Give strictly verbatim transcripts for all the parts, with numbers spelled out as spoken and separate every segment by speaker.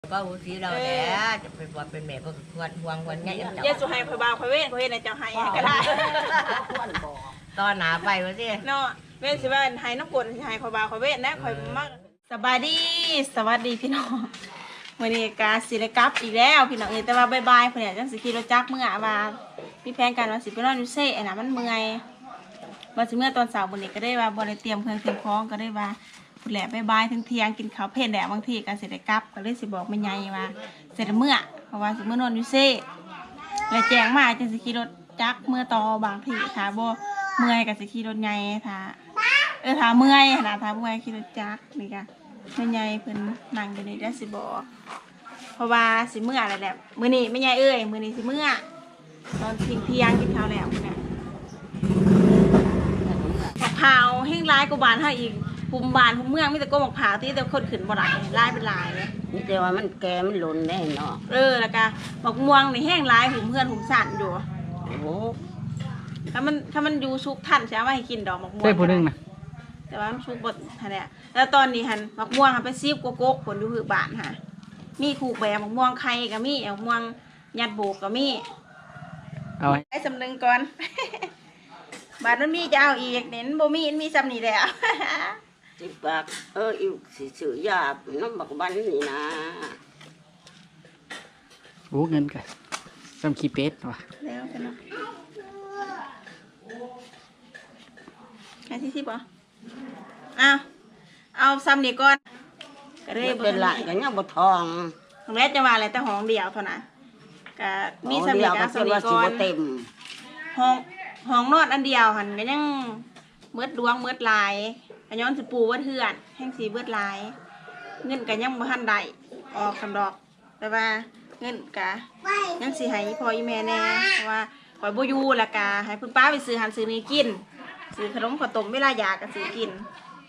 Speaker 1: ก็อุทิศเราแหละจะเป็นบอเป็นแม่เพื่อควรห่วงควรง่ายจัง
Speaker 2: เยสุให้คอยบ่าวคอยเว้นคอยเฮ็ดให้เจ้าให้ก็ได้
Speaker 1: ตอนหนาไปวะสิ
Speaker 2: เนาะเว้นสิว่าให้น้ำกรดสิให้คอยบ่าวคอยเว้นนะคอยมักสบายดีสวัสดีพี่น้องมื้อนี้กาสิได้กลับอีกแล้วพี่น้องเอ้ยแต่ว่าบ๊ายๆเพิ่นเนี่ยจังสิขี่รถจักรมื้อว่ามีแผนการว่าสิไปนอนอยู่เซ่น่ะมันเมื่อยว่าสิเมื่อตอนเช้ามื้อนี้ก็ได้ว่าบ่ได้เตรียมเครื่องเตรียมของก็ได้ว่าพุ่นแหละบ๊ายๆถึงเที่ยงกินข้าวเพลนแหละบางทีก็สิได้กลับก็เลยสิบอกแม่ใหญ่ว่าสิได้เมื่อเพราะว่าสิเมื่อนอนอยู่เซ่แล้วแจ้งมาจังสิขี่รถจักรเมื่อต่อบางทีถ้าบ่เมื่อยก็สิขี่รถใหญ่ถ้าเออถ้าเมื่อยนะถ้าเมื่อยขี่รถจักรนี่ก็แม่ใหญ่เพิ่นนั่งอยู่นี่ได้สิบอกเพราะว่าสิเมื่ออะไรแหละมื้อนี้แม่ใหญ่เอ้ยมื้อนี้สิเมื่อตอนเที่ยงเที่ยงกินข้าวแล้วพุ่นน่ะมะพร้าวแห้งร้ายกว่าบ้านเฮาอีกภูมิบ้านภูมิเมืองมีแต่ก็มะพร้าวที่แต่คนขึ้นบ่ได้ลายเป็นลายเลย
Speaker 1: นี่แต่ว่ามันแกมันหล่นได้เนาะ
Speaker 2: เออแล้วก็บักม่วงนี่แห้งร้ายหุ่มเพื่อนหุ่มสั่นอยู่
Speaker 1: โอ้โห
Speaker 2: ถ้ามันถ้ามันอยู่ซุกทันใช่ไหมให้กินดอกบักม่วง
Speaker 3: ใช่ผู้นึงนะ
Speaker 2: แต่ว่ามันซุกบดฮะเนี่ยแล้วตอนนี้หันบักม่วงหันไปซีบกกกผลอยู่หือบานฮะมีขูกแบบบักม่วงไข่ก็มีบักม่วงยัดโบกก็มี
Speaker 3: เอาไว้
Speaker 2: ให้สำนึงก่อน บาทมันมีจะเอาอีกเน้นบ่มีมันมีซ้ำนี่แหละ
Speaker 1: สิบบาทเอออีกสิซื้อยาน้ำบักบันนี่นะ
Speaker 3: โอ้เงินกันซ้ำขี้เป็ดว่ะ
Speaker 2: แล้วกันเนาะแค่ที่สิบเหรออ้าวเอาซ้ำนี่ก่อนก็ได้
Speaker 1: เป็นหลานกันยังบ่ทอง
Speaker 2: ของแรกจะว่าอะไรแต่ห้องเดียวเท่านั้นก็มีซ้ำ
Speaker 1: เดี
Speaker 2: นี่
Speaker 1: ยว
Speaker 2: ก็
Speaker 1: ก็
Speaker 2: เอา
Speaker 1: สิ
Speaker 2: ซ้ำนี่
Speaker 1: ว่าสิ
Speaker 2: ก่อน
Speaker 1: บ่เต็ม
Speaker 2: ห้องห้องนอนอันเดียวหันก็ยังเมืดดวงเมืดลายอันย้อนสิปูเบิดเฮือนแห้งสีเบิดลาย เงินก็ยังบ่ทันได้ออกสำดอก แต่ว่าเงินก็ยังสิให้พ่ออีแม่แน่เพราะว่าข่อยบ่อยู่และกะให้คุณป้าไปซื้อหันซื้อนี่กินซื้อขนมข้าวต้มเวลาอยากก็ซื้อกิน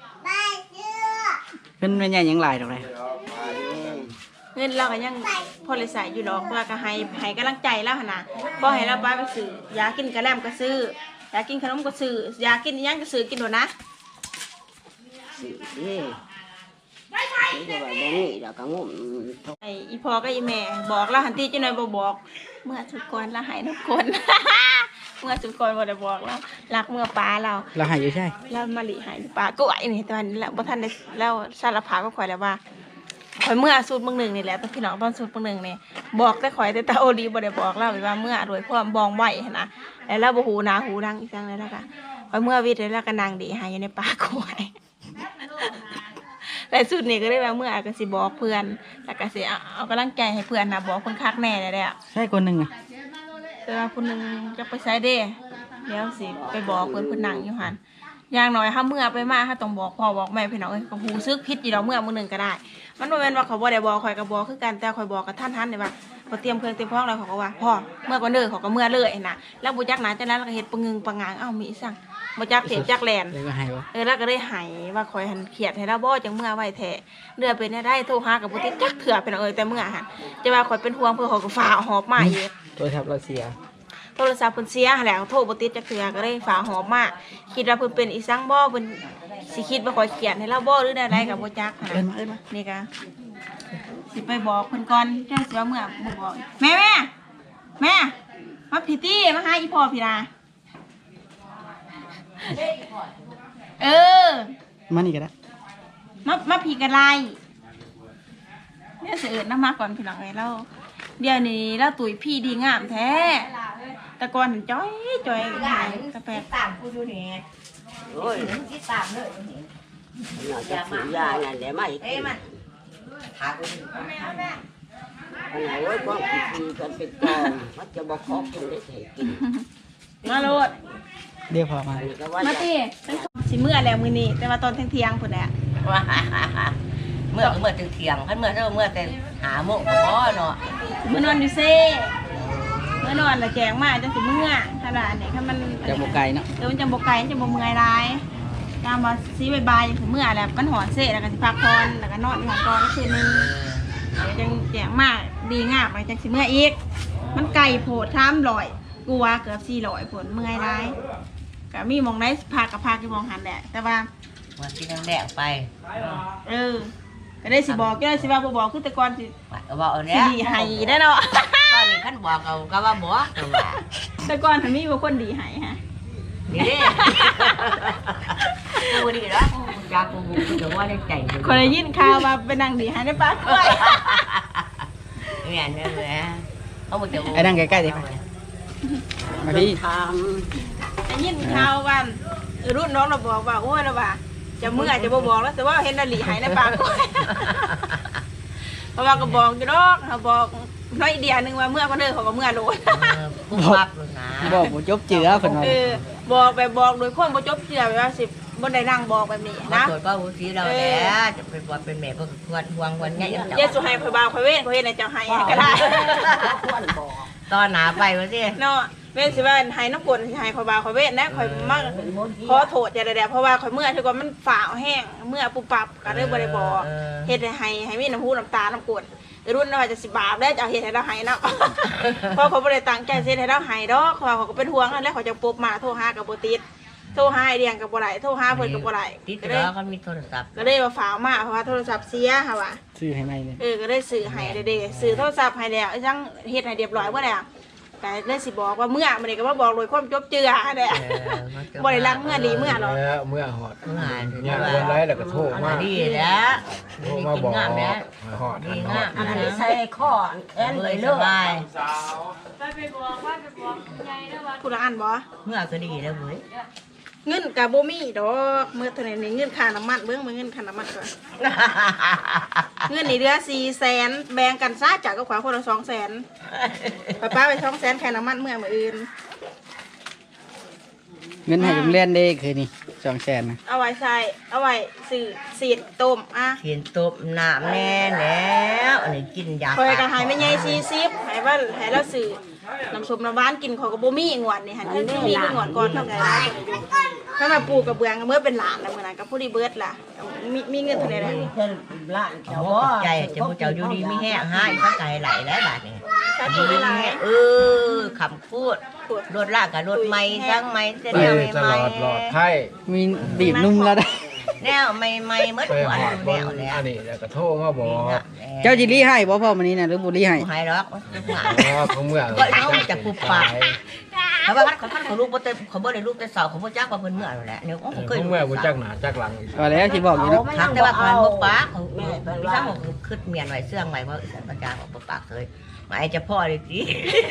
Speaker 3: เพิ่นเป็นใหญ่ยังหลายดอกเลย
Speaker 2: เงินเราก็ยังพอเลยใส่อยู่ดอกว่าก็ให้ให้กำลังใจแล้วหั่นน่ะบ่ให้เราป้าไปซื้อยากินกระแลมก็ซื้อยากินขนมก็ซื้อยากินอิหยังก็ซื้อกินโดดนะ
Speaker 1: สิเอ้นี่ก็ว่าบ่มีแล้วก็งม
Speaker 2: ไอ้อีพ่อกับอีแม่บอกแล้วหันตีจังหน่อยบ่บอกเมื่อสุดก่อนละหายทุกคน เมื่อสุดก่อนบ่ได้บอกแล้วรักเมื่อป้าเรา
Speaker 3: เราหายอยู่ใช่
Speaker 2: แล้วมาหลีหายป้าก็ไหวนี่ตอนนี้แล้วบ่ทันได้แล้วสารภาพก็ข่อยแล้วว่าข่อยเมื่อสูตรเบิ่งหนึ่งนี่แหละตอนพี่น้องตอนสูตรเบิ่งหนึ่งนี่บอกแต่ข่อยแต่ตาโอดีบ่ได้บอกเล่าว่าเมื่อโดยความบองไว้หั่นนะแล้วเราบ่หูหนาหูดังอีกจังเลยแล้วก็ข่อยเมื่อวิทย์แล้วก็นางดีหายอยู่ในป่าก็ไหว แต่สุดนี่ก็ได้ว่าเมื่อก็สิบอกเพื่อนแล้วก็สิเอาเอากำลังใจให้เพื่อนนะบอกคนคักแน่เลยแหละ
Speaker 3: ใช่คนหนึ่งอ่ะ
Speaker 2: แต่ว่าคนหนึงจะไปใช้เด้เดี๋ยวสิไปบอกเพื่อนเพื่อนนั่งอยู่หันอย่างน้อยถ้าเมื่อไปมาถ้าต้องบอกพ่อบอกแม่พี่น้องเอ้ยก็หูซึกพิษอยู่ดอกเมื่อมื้อหนึงก็ได้ มันบ่แม่นว่าเขาบ่ได้บอกข่อยก็บอกคือกันแต่ข่อยบอกกับท่านทันนี่ว่าพอเตรียมเครื่องเตรียมพร้อมแล้วเขาก็ว่าพ่อเมื่อก่อนเด้อเขาก็เมื่อเลยนะแล้วบ่จักหนาจังนั้นแล้วก็เฮ็ดปะงึงปะงางเอ้ามีสั่งบ่จักเทปจักแลน
Speaker 3: แล้วก็หายวะ
Speaker 2: เออแล้วก็ได้หายว่าคอยหันเขียดให้เราบ่จังเมื่อไว้แท้เดือเป็นได้โทรหากับบ่ติดจักเถื่อเป็นเอ้ยแต่เมื่อหันจะว่าคอยเป็นห่วงเพื่อเขาก็ฝ่าหอบมาอีก
Speaker 3: ตัวทับเราเสีย
Speaker 2: โทรศัพท์เพิ่นเสียหั่นแหละโทรบ่ติดจักเถื่อก็ได้ฝ่าหอบมาคิดว่าเพิ่นเป็นอีสังบ่เพิ่นสิคิดว่าคอยเขียดให้เราบ่หรือใดๆก็บ่จักหั่น
Speaker 3: เอิ้นมาเอิ้นมา
Speaker 2: นี่ก็สิไปบอกเพิ่นก่อนจังสิว่าเมื่อบ่บอกแม่แม่แม่มาพี่ตี้มาหาอีพ่อพี่นาเออ
Speaker 3: มานี่ก็ได้
Speaker 2: มามาผีกันไรเนี่ยเสือน้ำมาก่อนพี่น้องไงเราเดี๋ยวนี้เราตุ๋ยพี่ดีงามแท้แต่ก่อนเห็นจ้อยจ้อยหายกาแฟ
Speaker 1: ตามกูอยู่นี่โอ้ยที่ตามเลยนี่อยากซื้อยานั่นแหละมาอีกเอ้มันหากูอันไหนโอ้ยก็กินกันเป็นกองมันจะบ่ขอกินได้ให้กิน
Speaker 2: มาโลด
Speaker 3: เดี๋ยวพอมา
Speaker 1: นี่ก็ว่า
Speaker 2: มาตีสิเมื่อแล้วมือนี้แต่ว่าตอนเที่ยงๆพุ่นแหละ
Speaker 1: เมื่อเมื่อถึงเที่ยงคันเมื่อเท่าเมื่อแต่หาโมงก็พอเนาะ
Speaker 2: เมื่อนอนอยู่เซ่เมื่อนอนละแจงมาจังสิเมื่อขนาดนี้ถ้ามัน
Speaker 3: จะโมไกลเนาะ
Speaker 2: เดี๋ยวมันจะบกไก่มันจะบกเมื่อยร้ายตามว่าซีบายบายจังสิเมื่อแล้วกันหอนเซ่แล้วก็สิพักผ่อนแล้วก็นอนอยู่ห้องก่อนคืนนึงจังแจงมาดีงามไปจังสิเมื่ออีกมันไก่โผดท้ามลอยกลัวเกือบสี่ลอยผลเมื่อยร้ายก็มีมองได้พักกับพักที่มองหันแหละแต่ว่า
Speaker 1: วันที่นั่งแดงไป
Speaker 2: เออก็ได้สิบอกก็ได้สิว่าบ่บอกคือแต่ก่อนสิ
Speaker 1: ก็บอกเอา
Speaker 2: สิ
Speaker 1: เนี้ย
Speaker 2: ดีให้ได้เนาะ
Speaker 1: ตอนนี้ขั้นบอกเอาก็ว่าบอกตัวว่า
Speaker 2: แต่ก่อนถ้ามีบ่คนดีให้ฮะ
Speaker 1: นี่กูดีแล้วจากกูกูจะว่าในใจ
Speaker 2: คนได้ยินข่าวว่าไปนั่งดีให้ในปากกล้วย
Speaker 1: เนี่ยเนี่ยเลยเขาบอกจะ
Speaker 3: ไอ้นั่งใกล้ๆดิมาพี่
Speaker 1: ท
Speaker 2: ได้ยินข่าวว่ารุ่นน้องเราบอกว่าโอ้ยเราว่าจะเมื่อจะบ่บอกแล้วแต่ว่าเห็นนาลีให้ในปากกล้วยเพราะว่าก็บอกอยู่ดอกเขาบอกน้อยเดียวนึงว่าเมื่อก็เด้อเขาก็เมื่อโลด
Speaker 1: ำกูปับเลยนะ
Speaker 3: บอกบ่จบเจือเพิ่นว่า
Speaker 2: เออบอกไปบอกโดยคนบ่จบเจือไปว่าสิบ่ได้นั่งบอกแบบนี้
Speaker 1: นะ
Speaker 2: นะ
Speaker 1: ตรวจก็หูสีเราแล้วจะเป็นบอลเป็นแม่ก็ควรห่วงวันนี้ยัง
Speaker 2: เยสุให้ข่อยบ่าวข่อยเว้นข่อยเฮ็ดให้เจ้าให้ก็ได้
Speaker 1: ตอนหนาไปวะสิ
Speaker 2: เนาะเว้นสิว่าให้น้ำกลสิให้ข่อยบ่าวข่อยเว้นนะข่อยมักขอโทษอย่าได้ๆเพราะว่าข่อยเมื่อถือว่ามันฝ่าวแห้งเมื่อปุบปับก็เลยบ่ได้บอกเฮ็ดให้ให้มีน้ำหูน้ำตาน้ำกลรุ่นน่าจะสิบาปแล้วจะเอาเฮ็ดให้เราให้เนาะ เพราะเขาบ่ได้ตั้งใจเฮ็ดให้เราให้ดอกเพราะว่าเขาก็เป็นห่วงนั่นแหละเขาจะปบมาโทรหาก็บ่ติดโทรหาไอเดียงก็บ่ได้โทรหาเพิ่นก็บ่ได้
Speaker 1: ติด
Speaker 2: ก็เลย
Speaker 1: แล้วก็มีโทรศัพท์
Speaker 2: ก็เลยว่าฝากมาเพราะว่าโทรศัพท์เสียค่ะว่ะ
Speaker 3: ซื้อให้ใหม่เลย
Speaker 2: เออก็ได้ซื้อให้เด้ๆซื้อโทรศัพท์ให้แล้วยังเฮ็ดให้เรียบร้อยบ่แล้วแต่เลยสิบอกว่าเมื่อมื้อนี้ก็มาบอกโดยความจบเจือแหละบ่ได้รักเมื่อดีเมื่อหรอก
Speaker 4: แล้วเมื่อหอด
Speaker 1: เมื่อไหร่
Speaker 4: เนี่ยเรื่องไรแล้วก็โทรมา
Speaker 1: ดีแล้ว
Speaker 4: โทรมาบอก
Speaker 1: งามแล้ว
Speaker 4: หอดหั
Speaker 1: ดี
Speaker 4: นห
Speaker 1: งา
Speaker 4: อ
Speaker 1: ม
Speaker 4: ด
Speaker 1: อัน
Speaker 4: นี่
Speaker 1: นี้
Speaker 4: นะ
Speaker 1: ใส่ข้อแอนเลยสบาย
Speaker 2: ไปไปบอกว่าไปบอกยายนะว่าผู้ละอันบ่
Speaker 1: เมื่อก็ดีแล้วเว้ย
Speaker 2: เงินก็บ่มีดอกมื้อเท่านั้นนี่เงินค่าน้ำมันเบิ่งมื้อเงินค่าน้ำมันก่อนเงินนี่เหลือ สี่แสน แบ่งกันซะจากกับขวาคนละ สองแสน ป้าป้าไป สองแสนแค่น้ำมันเมื่อมื้ออื่น
Speaker 3: เงินให้โรงเรียนเด้คือนี่สองแสนนะ
Speaker 2: เอาไว้ใส่เอาไว้ซื้อสีดต้มอ่ะ
Speaker 1: เห็นตบน้ำแน่แล้วอันนี้กินยา
Speaker 2: คอยก็ให้แม่ใหญ่สี่สิบให้ว่าให้เราซื้อน้ำส้มน้ำหวานกินเขาก็บ่มีงวดนี่หั่นคือสิมีคืองวดก่อนเท่าไหร่ล่ะถ้ามาปลูกกับเบืองก็เมื่อเป็นหลานแล้วมื้อนั้นก็ผู้ดีเบิดล่ะมีมีเงินเท่าไหร่ล่ะ
Speaker 1: เพิ่นร้านเขาใจจะผู้เจ้าอยู่ดีมีแห้งหายสักไก่ไหลแล้วบาดนี้
Speaker 2: สาธุหลาย
Speaker 1: เออคำพูด
Speaker 2: ปวด
Speaker 1: รถลากกับรถไม่ทั้งไม่เส้น
Speaker 4: ไป
Speaker 1: แนว
Speaker 4: ต
Speaker 1: ไม่
Speaker 4: ลอดหลอดไข่
Speaker 3: มีบีบนุ่มแล้วได้
Speaker 1: แนวไม่ไม่เมื่อ
Speaker 4: ไป
Speaker 1: วัน
Speaker 4: หอดบ
Speaker 1: แน
Speaker 4: น
Speaker 1: วแล้ว
Speaker 4: อันนี้แล้วก็โทรมาบอก
Speaker 3: เจ้าจิรีให้บ่พ่อมื้อนี้น่ะหรือบ่รีให้
Speaker 1: หายหรอกหาย
Speaker 4: ว่าเขาเมื่อ
Speaker 1: ก็เอาจากปุบปากเขาบอกว่าเขาท่านเขาลูกบ่เต็มเขาบ่ได้ลูกแต่สาวเขาบ่จักว่าเพิ่นเมื่อแล้วเนี่ยเขาเคย
Speaker 4: เขาเมื่อกูจักหนาจักหลัง
Speaker 3: ก็แล้วสิบอกอยู่เนาะ
Speaker 1: ทักแต่ว่ามันบ่ปากเขาพี่ช่างบอกขึ้นเมียนไว้เสื่องไว้เพราะสันประจาบอกบ่ปากเลยหมายจะพ่อเลยสิ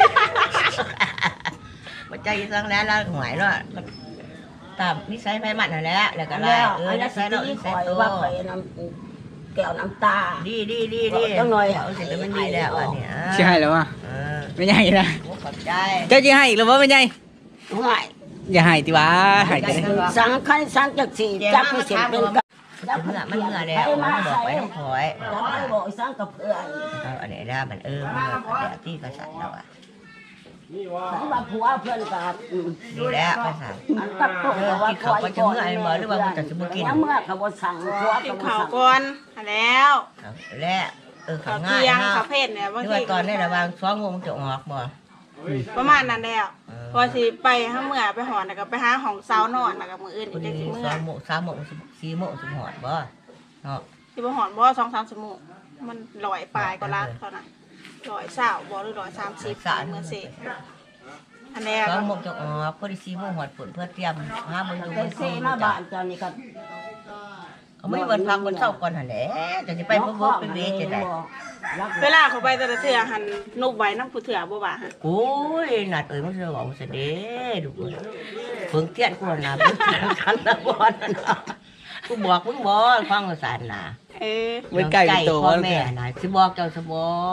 Speaker 1: บ่ใจสั่งแล้วแล้วหวยเนาะตามนิสัยไผมันนั่นแหละแล้วก็ไล่เออนิสัยเนาะนิสัยโต
Speaker 5: ว่าไปน้ำแก้วน้ำตา
Speaker 1: ดีดีดีดีจังหน่อยเอาสิเป็นมันดีแล้วอันนี้
Speaker 3: สิให้แล้วว่ะ
Speaker 1: เออ
Speaker 3: ไม่ใหญ่นะ
Speaker 1: ขอบใจ
Speaker 3: เจ้าสิให้อีกแล้วบ่ไม่ใหญ่
Speaker 5: ห่วย
Speaker 3: อย่าให้ติว่าให้จังได๋
Speaker 5: สังขันสังจักสี่จับให้เสร็จเป็นกับ
Speaker 1: เมื่อมันเมื่อแล้วมันบอกไปต้องคอย
Speaker 5: จับให้บอกสังกับเพื่อน
Speaker 1: เอาอันนี้ได้มันเออมันแบบที่กษัตริย์เราอ่ะ
Speaker 5: สังว่าผัวเพื่อนกับ
Speaker 1: ดีแล้วกษัตริย์
Speaker 5: อันกับตัว
Speaker 1: เออกินเขาก็จะเมื่อไอ้หมอหรือว่ามันจะสมกิน
Speaker 5: เมื่อเขาบอกสั่งผัว
Speaker 2: กิ
Speaker 5: เขา
Speaker 2: น
Speaker 5: บอก
Speaker 2: ข้าว
Speaker 5: สั่ง
Speaker 2: ก่อนหั่นแล้ว
Speaker 1: และเออ
Speaker 2: ข้า
Speaker 1: เขา
Speaker 2: ว
Speaker 1: ง่าย
Speaker 2: เที่ยง
Speaker 1: ฮะ
Speaker 2: ข้าวเพชรเนี่ยบาง
Speaker 1: ที่
Speaker 2: ที
Speaker 1: ว่าตอนนี้ระวังสองโมงจะออกบ่
Speaker 2: ประมาณนั้นแล้วพอสิไปห้าเมื่อไปหอนแล้วก็ไปหาของเซานอนแล้วก็มื้ออื่น
Speaker 1: คน
Speaker 2: จัง
Speaker 1: นี้
Speaker 2: สิเมื่
Speaker 1: ส
Speaker 2: อ
Speaker 1: องโมงสามโมงสี่โมงสมหอดบ่เนาะ
Speaker 2: สิบ่หอนบ่สองสามชั่วโมงมันลอยปลายก็ละเท่านั้นลอยเศร้าบ่หรือลอยสามสิบเมื่อเสร็จอันนี้
Speaker 1: สองโมงจะออกพอดีสี่โมงหอดฝนเพื่อเตรียมหาเบิ่งดู
Speaker 5: แต่
Speaker 1: มัน
Speaker 5: เซ
Speaker 1: ซี
Speaker 5: มา
Speaker 1: จ้ะ
Speaker 5: บ้านเจ้านี่ก็
Speaker 1: เขาไม่วันพักวันเช้าก่อนหั่นแหละจะสิไปเพิ่มไปเวจะได้
Speaker 2: เวลาเขาไปแต่ละเทื่อหันนุบไว้น้ำผู้เถื่อบ่ว่าฮะ
Speaker 1: โอ้ยนัดเอ้ยมันจะบอกว่าเสด็จดูเพิ่งเทียนกูนะเพิ่งเทียนคันละบอลนะกูบอกมึงบอฟังภาษาหนา
Speaker 2: เออ
Speaker 3: ไว้ใกล้เป็นโต
Speaker 1: พ่อ
Speaker 3: ว่า
Speaker 1: แม่นะสิบอกเจ้าสบ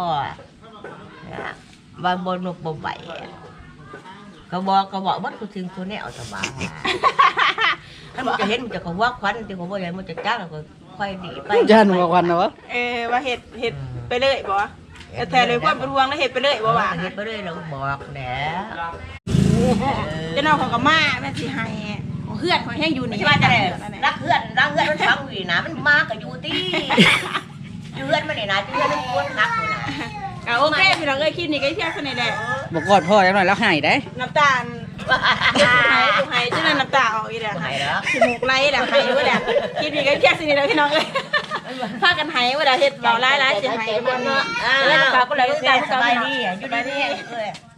Speaker 1: อบางบนนกบ่ใบก็บอกก็บอกวัดกูถึงตัวแนวสบายถ้ามันจะเห็นมันจะขวักควันที่เขาบอกอย่างมันจะจ้างแล้วก็ค่อยดีไป
Speaker 3: ย่านบ่ควันนะวะ
Speaker 2: เออว่าเฮ็ดเฮ็ดไปเลยบ่แต่แท้เลยความเป็นห่วงแล้วเฮ็ดไปเลยบ่ว่า
Speaker 1: เฮ็ดไปเลยเราบอกแหละ
Speaker 2: เจ้าน้องเขาก็มาแม่สิให้เฮือนเขาแห้งอยู่นี่
Speaker 1: ที่ว่าจะได้รักเพื่อนรักเพื่อนมันฟังอยู่นะมันมากับอยู่ที่เพื่อนมันนี่นะเพื่อนมันควรรักอยู่นะ
Speaker 2: อ่ะโอเคพี่น้องเอ้ยคลิปนี้ก็เที่ยงเท่านี้แหละ
Speaker 3: บ่กอดพ่อจังหน่อยแล้วให้ได้
Speaker 2: น้ำตาลลูกหายลูกหายจังนั้นน้ำตาออกอีแหละ
Speaker 1: หายแล้ว
Speaker 2: ขี้มูกไหลแหละหายอยู่แหละคลิปนี้ก็เที่ยงเท่านี้แหละพี่น้องเอ้ยพากันหายเวลาเฮ็ดเบาหลายๆสิหายเบิดเนาะแล้วฝากก็เลยก็ตาม
Speaker 1: สบายดีอ่ะอยู่ดีๆ